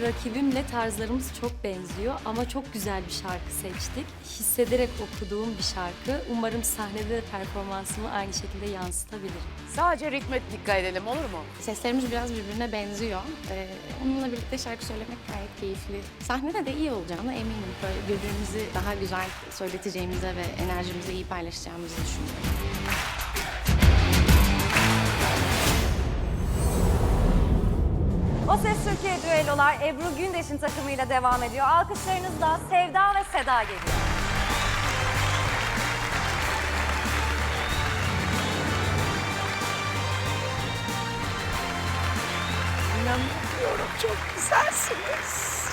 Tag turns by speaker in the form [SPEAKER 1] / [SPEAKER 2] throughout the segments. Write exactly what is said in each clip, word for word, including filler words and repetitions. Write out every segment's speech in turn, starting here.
[SPEAKER 1] rakibimle tarzlarımız çok benziyor ama çok güzel bir şarkı seçtik. Hissederek okuduğum bir şarkı. Umarım sahnede de performansımı aynı şekilde yansıtabilirim.
[SPEAKER 2] Sadece ritme dikkat edelim, olur mu?
[SPEAKER 3] Seslerimiz biraz birbirine benziyor. Ee, onunla birlikte şarkı söylemek gayet keyifli. Sahnede de iyi olacağına eminim. Böyle birbirimizi daha güzel söyleteceğimize ve enerjimizi iyi paylaşacağımızı düşünüyorum.
[SPEAKER 4] O Ses Türkiye düellolar Ebru Gündeş'in takımıyla devam ediyor. Alkışlarınızla Sevda ve Seda geliyor.
[SPEAKER 2] İnanmıyorum, çok güzelsiniz.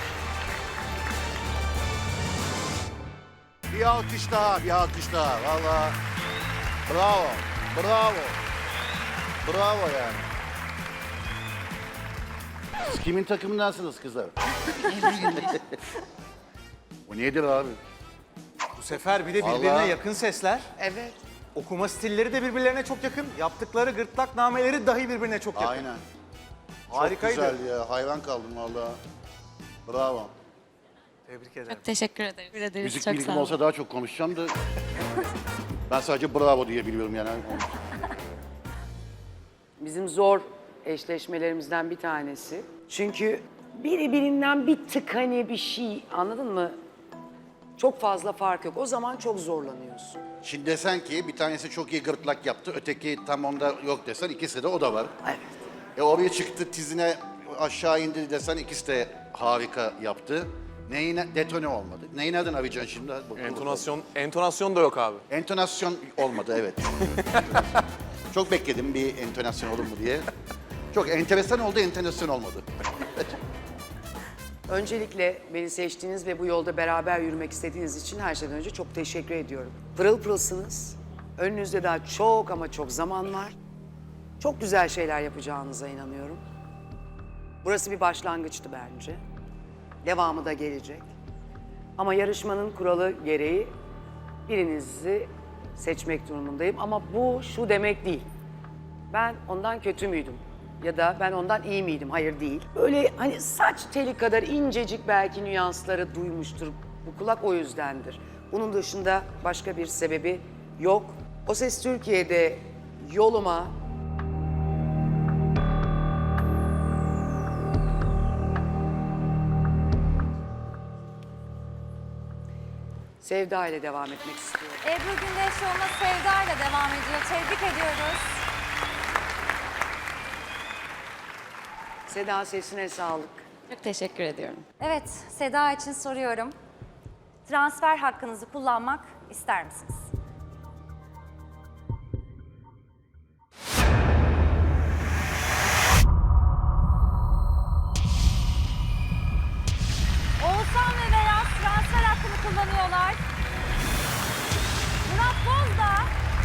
[SPEAKER 5] Bir alkış daha, bir alkış daha. Valla bravo, bravo. Bravo yani. Siz kimin takımındansınız kızlar? Bu nedir abi?
[SPEAKER 6] Bu sefer bir de birbirine
[SPEAKER 5] Vallahi-
[SPEAKER 6] yakın sesler.
[SPEAKER 2] Evet.
[SPEAKER 6] Okuma stilleri de birbirlerine çok yakın. Yaptıkları gırtlak nameleri dahi birbirine çok yakın.
[SPEAKER 5] Aynen.
[SPEAKER 6] Harikaydı.
[SPEAKER 5] Çok güzel ya, hayran kaldım valla. Bravo.
[SPEAKER 6] Tebrik ederim.
[SPEAKER 3] Çok teşekkür ederim.
[SPEAKER 1] Teşekkür ederiz.
[SPEAKER 5] Müzik
[SPEAKER 1] çok
[SPEAKER 5] bilgim
[SPEAKER 1] sağ olun.
[SPEAKER 5] olsa daha çok konuşacağım da. Ben sadece bravo diye biliyorum yani.
[SPEAKER 2] Bizim zor eşleşmelerimizden bir tanesi. Çünkü biri birinden bir tık hani bir şey, anladın mı? Çok fazla fark yok. O zaman çok zorlanıyorsun.
[SPEAKER 5] Şimdi desen ki bir tanesi çok iyi gırtlak yaptı, öteki tam onda yok desen ikisi de o da var.
[SPEAKER 2] Evet.
[SPEAKER 5] E oraya çıktı tizine aşağı indi desen ikisi de harika yaptı. Neyine detone olmadı. Neyin adını arayacaksın şimdi? Hadi bakalım.
[SPEAKER 7] Entonasyon, entonasyon da yok abi.
[SPEAKER 5] Entonasyon olmadı evet. Çok bekledim bir entonasyon olur mu diye. Çok enteresan oldu, entonasyon olmadı.
[SPEAKER 2] Öncelikle beni seçtiğiniz ve bu yolda beraber yürümek istediğiniz için her şeyden önce çok teşekkür ediyorum. Pırıl pırılsınız. Önünüzde daha çok ama çok zaman var. Çok güzel şeyler yapacağınıza inanıyorum. Burası bir başlangıçtı bence. Devamı da gelecek. Ama yarışmanın kuralı gereği birinizi seçmek durumundayım. Ama bu şu demek değil. Ben ondan kötü müydüm? Ya da ben ondan iyi miydim? Hayır değil. Böyle hani saç teli kadar incecik belki nüansları duymuştur. Bu kulak o yüzdendir. Bunun dışında başka bir sebebi yok. O Ses Türkiye'de yoluma Sevda ile devam etmek istiyorum.
[SPEAKER 4] Ebru Gündeş yoluna Sevda ile devam ediyor. Tebrik ediyoruz.
[SPEAKER 2] Seda sesine sağlık.
[SPEAKER 3] Çok teşekkür ediyorum.
[SPEAKER 4] Evet, Seda için soruyorum. Transfer hakkınızı kullanmak ister misiniz? Oğuzhan ve Beyaz transfer hakkını kullanıyorlar. Murat Boz da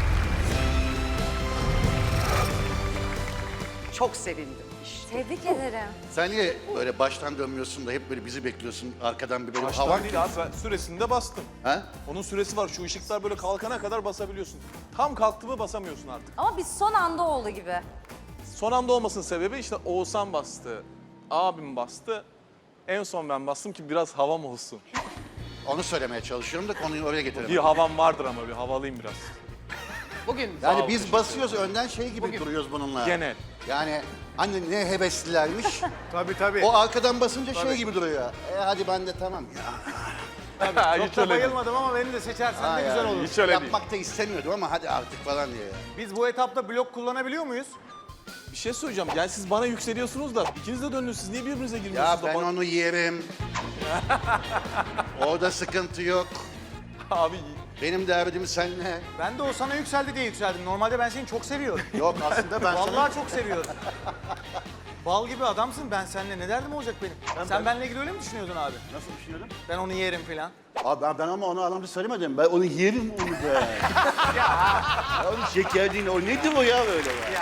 [SPEAKER 2] Çok sevindim. İşte.
[SPEAKER 4] tebrik ederim.
[SPEAKER 5] Sen niye böyle baştan dönmüyorsun da hep böyle bizi bekliyorsun arkadan bir böyle
[SPEAKER 7] Baştan
[SPEAKER 5] havan
[SPEAKER 7] değil abi, ben süresinde bastım.
[SPEAKER 5] Ha?
[SPEAKER 7] Onun süresi var, şu ışıklar böyle kalkana kadar basabiliyorsun. Tam kalktı mı basamıyorsun artık.
[SPEAKER 4] Ama biz son anda oldu gibi.
[SPEAKER 7] Son anda olmasının sebebi işte Oğuzhan bastı, abim bastı. En son ben bastım ki biraz havam olsun.
[SPEAKER 5] Onu söylemeye çalışıyorum da konuyu oraya
[SPEAKER 7] Bir
[SPEAKER 5] getirelim.
[SPEAKER 7] havam vardır ama bir havalıyım biraz.
[SPEAKER 2] Bugün
[SPEAKER 5] Yani
[SPEAKER 7] ol,
[SPEAKER 5] biz
[SPEAKER 7] teşekkür
[SPEAKER 5] basıyoruz önden şey gibi duruyoruz bununla.
[SPEAKER 7] Genel.
[SPEAKER 5] Yani anne ne heveslilermiş.
[SPEAKER 6] Tabii tabii.
[SPEAKER 5] O arkadan basınca şey gibi duruyor. E hadi ben de tamam ya.
[SPEAKER 6] Çok
[SPEAKER 7] Hiç
[SPEAKER 6] da
[SPEAKER 7] öyle değil.
[SPEAKER 6] bayılmadım ama beni de seçersen
[SPEAKER 5] Ha
[SPEAKER 6] de güzel
[SPEAKER 5] yani,
[SPEAKER 6] olur.
[SPEAKER 7] Hiç öyle değil.
[SPEAKER 5] Yapmak da istemiyordum ama hadi artık falan diye.
[SPEAKER 6] Biz bu etapta blok kullanabiliyor muyuz?
[SPEAKER 7] Bir şey söyleyeceğim, yani siz bana yükseliyorsunuz da ikiniz de döndünüz, siz niye birbirinize
[SPEAKER 5] Ya
[SPEAKER 7] girmiyorsunuz da
[SPEAKER 5] ben
[SPEAKER 7] bana-
[SPEAKER 5] onu yerim. Orada sıkıntı yok.
[SPEAKER 7] Abi
[SPEAKER 5] Benim derdim seninle.
[SPEAKER 6] Ben de o sana yükseldi diye yükseldim. Normalde ben seni çok seviyorum.
[SPEAKER 5] Yok aslında ben sana...
[SPEAKER 6] Vallahi çok seviyorum. Bal gibi adamsın, ben seninle ne derdim olacak benim? Sen benimle ilgili öyle mi düşünüyordun abi?
[SPEAKER 5] Nasıl düşünüyordun?
[SPEAKER 6] Ben onu yerim falan.
[SPEAKER 5] Abi ben, ben ama onu anlamda söylemedim. Ben onu yerim onu da. ya onun şeker değil. O nedir o ya böyle ya?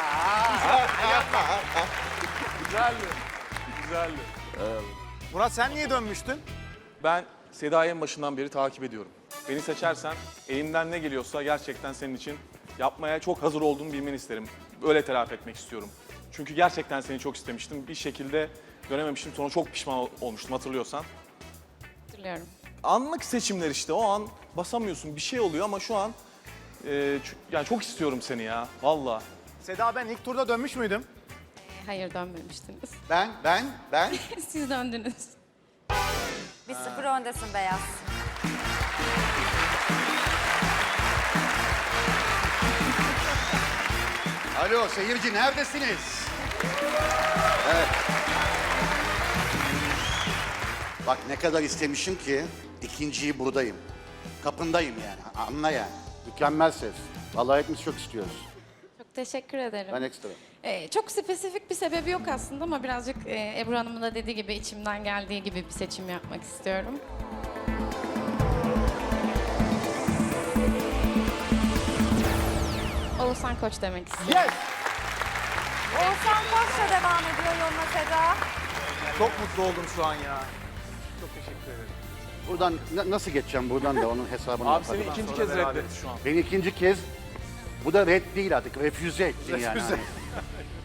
[SPEAKER 7] güzeldi, güzeldi.
[SPEAKER 6] Murat sen niye dönmüştün?
[SPEAKER 7] Ben Seda'yı en başından beri takip ediyorum. Beni seçersen elimden ne geliyorsa gerçekten senin için yapmaya çok hazır olduğumu bilmeni isterim. Öyle telafi etmek istiyorum. Çünkü gerçekten seni çok istemiştim. Bir şekilde görememiştim. Sonra çok pişman ol- olmuştum hatırlıyorsan.
[SPEAKER 3] Hatırlıyorum.
[SPEAKER 7] Anlık seçimler işte. O an basamıyorsun. Bir şey oluyor ama şu an e, ç- yani çok istiyorum seni ya. Vallahi.
[SPEAKER 6] Seda, ben ilk turda dönmüş müydüm?
[SPEAKER 3] Ee, hayır dönmemiştiniz.
[SPEAKER 5] Ben, ben, ben.
[SPEAKER 3] Siz döndünüz.
[SPEAKER 4] Bir sıfır öndesin Beyaz.
[SPEAKER 5] Alo seyirci neredesiniz? Evet. Bak ne kadar istemişim ki ikinciyi buradayım. Kapındayım yani. Anla yani. Mükemmel ses. Vallahi hepimiz çok istiyoruz.
[SPEAKER 3] Çok teşekkür ederim.
[SPEAKER 5] Ben ekstra.
[SPEAKER 3] Ee, çok spesifik bir sebebi yok aslında ama birazcık e, Ebru Hanım'ın da dediği gibi içimden geldiği gibi bir seçim yapmak istiyorum. Oğuzhan Koç demek istiyorum.
[SPEAKER 6] Yes!
[SPEAKER 4] Oğuzhan Koç'la devam ediyor yoluna Seda.
[SPEAKER 6] Çok mutlu oldum şu an ya. Çok teşekkür ederim.
[SPEAKER 5] Buradan na- nasıl geçeceğim buradan da onun hesabını
[SPEAKER 7] Abi
[SPEAKER 5] yaparım.
[SPEAKER 7] seni ikinci
[SPEAKER 6] sonra
[SPEAKER 7] kez
[SPEAKER 6] beraber.
[SPEAKER 7] reddetti şu an.
[SPEAKER 5] Beni ikinci kez, bu da red değil artık, refüze ettin yani.
[SPEAKER 6] Refüze.
[SPEAKER 5] Hani